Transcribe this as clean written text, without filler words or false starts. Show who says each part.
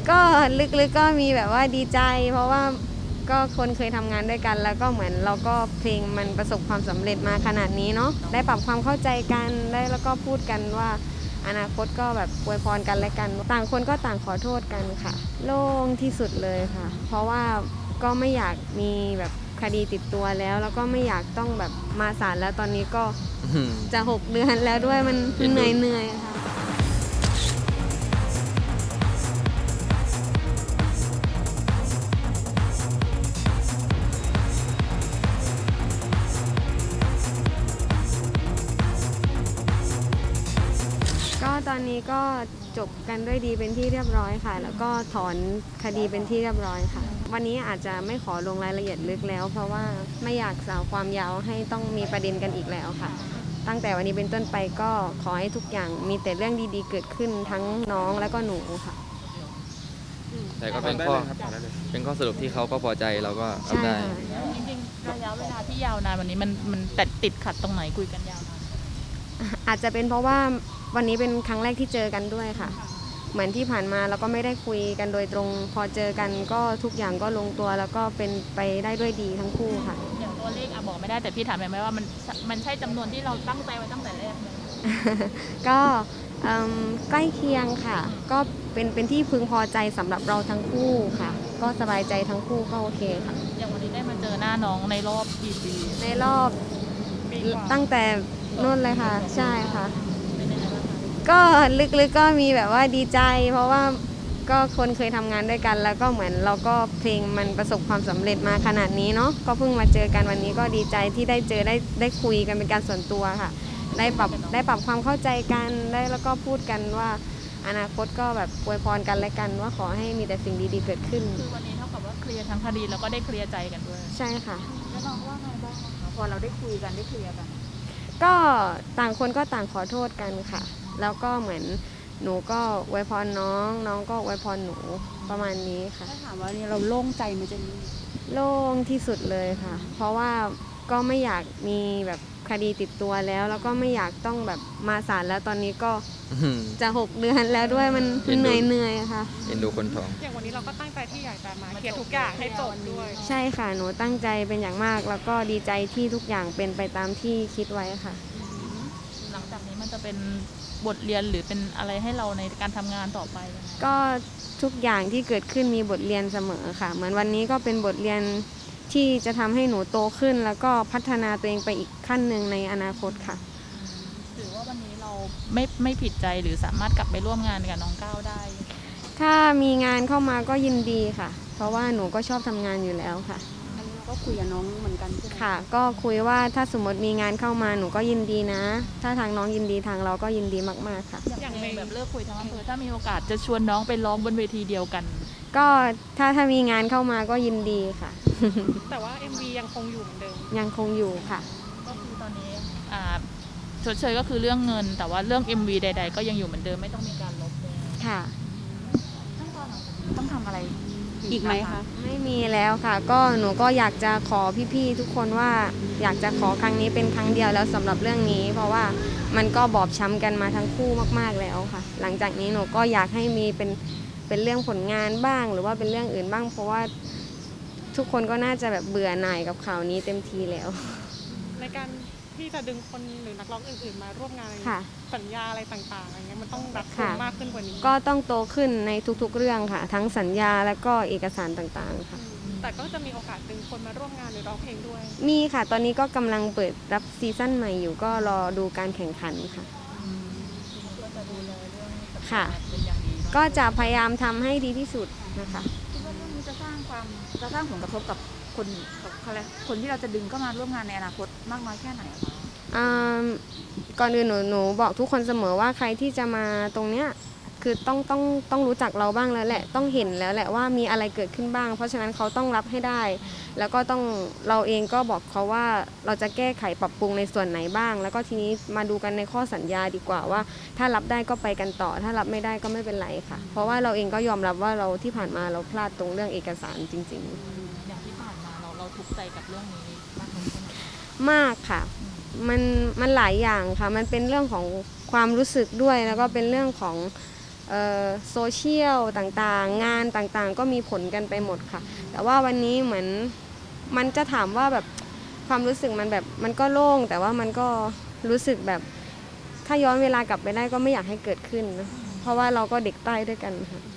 Speaker 1: ก็ลึกๆก็มีแบบว่าดีใจเพราะว่าก็คนเคยทำงานด้วยกันแล้วก็เหมือนเราก็เพลงมันประสบความสำเร็จมาขนาดนี้เนาะได้ปรับความเข้าใจกันได้แล้วก็พูดกันว่าอนาคตก็แบบอวยพรกันและกันต่างคนก็ต่างขอโทษกันค่ะโล่งที่สุดเลยค่ะเพราะว่าก็ไม่อยากมีแบบคดีติดตัวแล้วก็ไม่อยากต้องแบบมาศาลแล้วตอนนี้ก็จะ6 เดือนแล้วด้วยมันเหนื่อยค่ะก็ตอนนี้ก็จบกันด้วยดีเป็นที่เรียบร้อยค่ะแล้วก็ถอนคดีเป็นที่เรียบร้อยค่ะวันนี้อาจจะไม่ขอลงรายละเอียดลึกแล้วเพราะว่าไม่อยากสาวความยาวให้ต้องมีประเด็นกันอีกแล้วค่ะตั้งแต่วันนี้เป็นต้นไปก็ขอให้ทุกอย่างมีแต่เรื่องดีๆเกิดขึ้นทั้งน้องและก็หนูค่ะ
Speaker 2: แต่ก็เป็นข้อสรุปที่เขาก็พอใจเราก็รับได้
Speaker 3: จริงๆระยะเวลาที่ยาวนานวันนี้มันแต่ติดขัดตรงไหนคุยกันยาวนาน
Speaker 1: อาจจะเป็นเพราะว่าวันนี้เป็นครั้งแรกที่เจอกันด้วยค่ะเหมือนที่ผ่านมาเราก็ไม่ได้คุยกันโดยตรงพอเจอกันก็ทุกอย่างก็ลงตัวแล้วก็เป็นไปได้ด้วยดีทั้งคู่ค่ะ
Speaker 3: อย่างตัวเลขบอกไม่ได้แต่พี่ถามไหมว่ามันใช่จำนวนที่เราตั้งใจไว้ตั้งแต่แรกไหม
Speaker 1: ก็ใกล้เคียงค่ะก็เป็นที่พึงพอใจสำหรับเราทั้งคู่ค่ะก็สบายใจทั้งคู่ก็โอเคค่ะ
Speaker 3: อย่างวันนี้ได้มาเจอหน้าน้องในรอบกี่ปี
Speaker 1: ในรอบตั้งแต่นู่นเลยค่ะใช่ค่ะก็ลึกๆก็มีแบบว่าดีใจเพราะว่าก็คนเคยทำงานด้วยกันแล้วก็เหมือนเราก็เพลงมันประสบความสำเร็จมาขนาดนี้เนาะก็เพิ่งมาเจอกันวันนี้ก็ดีใจที่ได้เจอได้คุยกันเป็นการส่วนตัวค่ะได้ปรับความเข้าใจกันได้แล้วก็พูดกันว่าอนาคตก็แบบอวยพรกันและกันว่าขอให้มีแต่สิ่งดีๆเกิดขึ้น
Speaker 3: คือวันนี้เท่ากับว่าเคลียร์ทั้งคดีแล้วก็ได้เคลียร์ใจกันด้วย
Speaker 1: ใช่ค่ะ
Speaker 3: แล้วน้องว่าไงบ้างคะพอเราได้คุยกันได้เคลียร์กัน
Speaker 1: ก็ต่างคนก็ต่างขอโทษกันค่ะแล้วก็เหมือนหนูก็อวยพรน้องก็อวยพรหนูประมาณนี้ค่ะ
Speaker 3: ถ้าถามว่าเราโล่งใจไหมเจนนี่
Speaker 1: โล่งที่สุดเลยค่ะเพราะว่าก็ไม่อยากมีแบบคดีติดตัวแล้วก็ไม่อยากต้องแบบมาศาลแล้วตอนนี้ก็จะ6 เดือนแล้วด้วยมันเหนื่อยค่ะ
Speaker 2: เอ็นดูคนท้อง
Speaker 4: อย่างวันนี้เราก็ตั้งใจที่อยากจะมาเคลียร์ทุกอย่างให้จบด้วย
Speaker 1: ใช่ค่ะหนูตั้งใจเป็นอย่างมากแล้วก็ดีใจที่ทุกอย่างเป็นไปตามที่คิดไว้ค่ะ
Speaker 3: หลังจากนี้มันจะเป็นบทเรียนหรือเป็นอะไรให้เราในการทำงานต่อไป
Speaker 1: ก็ทุกอย่างที่เกิดขึ้นมีบทเรียนเสมอค่ะเหมือนวันนี้ก็เป็นบทเรียนที่จะทำให้หนูโตขึ้นแล้วก็พัฒนาตัวเองไปอีกขั้นหนึ่งในอนาคตค่ะ
Speaker 3: ถือว่าวันนี้เราไม่ผิดใจหรือสามารถกลับไปร่วมงานกับน้องก้าวได้
Speaker 1: ถ้ามีงานเข้ามาก็ยินดีค่ะเพราะว่าหนูก็ชอบทำงานอยู่แล้วค่ะ
Speaker 3: ก็คุยกับน้องเหมือนกันใช่ไหม
Speaker 1: ค่ะก็คุยว่าถ้าสมมติมีงานเข้ามาหนูก็ยินดีนะถ้าทางน้องยินดีทางเราก็ยินดีมากๆค่ะ
Speaker 3: อย่างแบบเลิกคุยทั้งอำเภอถ้ามีโอกาสจะชวนน้องไปร้องบนเวทีเดียวกัน
Speaker 1: ก็ถ้ามีงานเข้ามาก็ยินดีค่ะ
Speaker 4: แต่ว่า MV ยังคงอยู่เหมือนเดิม
Speaker 1: ยังคงอยู่ค่ะ
Speaker 3: ก็คือตอนนี้ชดเชยก็คือเรื่องเงินแต่ว่าเรื่อง MV ใดๆก็ยังอยู่เหมือนเดิมไม่ต้องมีการลบเลย
Speaker 1: ค่ะ
Speaker 3: ต้องทำอะไร
Speaker 1: อีกไหมคะไม่มีแล้วค่ะก็หนูก็อยากจะขอพี่ๆทุกคนว่าอยากจะขอครั้งนี้เป็นครั้งเดียวแล้วสำหรับเรื่องนี้เพราะว่ามันก็บอบช้ำกันมาทั้งคู่มากๆแล้วค่ะหลังจากนี้หนูก็อยากให้มีเป็นเรื่องผลงานบ้างหรือว่าเป็นเรื่องอื่นบ้างเพราะว่าทุกคนก็น่าจะแบบเบื่อหน่ายกับข่าวนี้เต็มทีแล้ว
Speaker 4: ในการที่จะดึงคนหรือนักร้องอื่นๆมาร่วมงานสัญญาอะไรต่างๆอะไรเงี้ยมันต้องรัดกุมมากขึ้นกว่านี้
Speaker 1: ก็ต้องโตขึ้นในทุกๆเรื่องค่ะทั้งสัญญาและก็เอกสารต่างๆค่ะ
Speaker 4: แต่ก็จะมีโอกาสดึงคนมาร่วมงานหรือร้องเพลงด้วย
Speaker 1: มีค่ะตอนนี้ก็กำลังเปิดรับซีซั่นใหม่อยู่ก็รอดูการแข่งขันค่ะค่ะก็จะพยายามทำให้ดีที่สุดนะคะ
Speaker 3: คิดว่าเรื่องนี้จะสร้างผลกระทบกับคนที่เราจะดึงเข้ามาร่วมงานในอนาคตมากน้อยแค่ไหนคะ
Speaker 1: ก่อนอื่นหนูบอกทุกคนเสมอว่าใครที่จะมาตรงเนี้ยคือต้องรู้จักเราบ้างแล้วแหละต้องเห็นแล้วแหละว่ามีอะไรเกิดขึ้นบ้างเพราะฉะนั้นเขาต้องรับให้ได้แล้วก็ต้องเราเองก็บอกเขาว่าเราจะแก้ไขปรับปรุงในส่วนไหนบ้างแล้วก็ทีนี้มาดูกันในข้อสัญญาดีกว่าว่าถ้ารับได้ก็ไปกันต่อถ้ารับไม่ได้ก็ไม่เป็นไรค่ะเพราะว่าเราเองก็ยอมรับว่าเราที่ผ่านมาเราพลาดตรงเรื่องเอกสารจริง
Speaker 3: ๆอย่างที่ผ่านมาเราทุกข์ใจกับเรื่องนี้
Speaker 1: มากค่ะมันหลายอย่างค่ะมันเป็นเรื่องของความรู้สึกด้วยแล้วก็เป็นเรื่องของโซเชียลต่างๆงานต่างๆก็มีผลกันไปหมดค่ะแต่ว่าวันนี้เหมือนมันจะถามว่าแบบความรู้สึกมันแบบมันก็โล่งแต่ว่ามันก็รู้สึกแบบถ้าย้อนเวลากลับไปได้ก็ไม่อยากให้เกิดขึ้นนะเพราะว่าเราก็เด็กใต้ด้วยกันค่ะ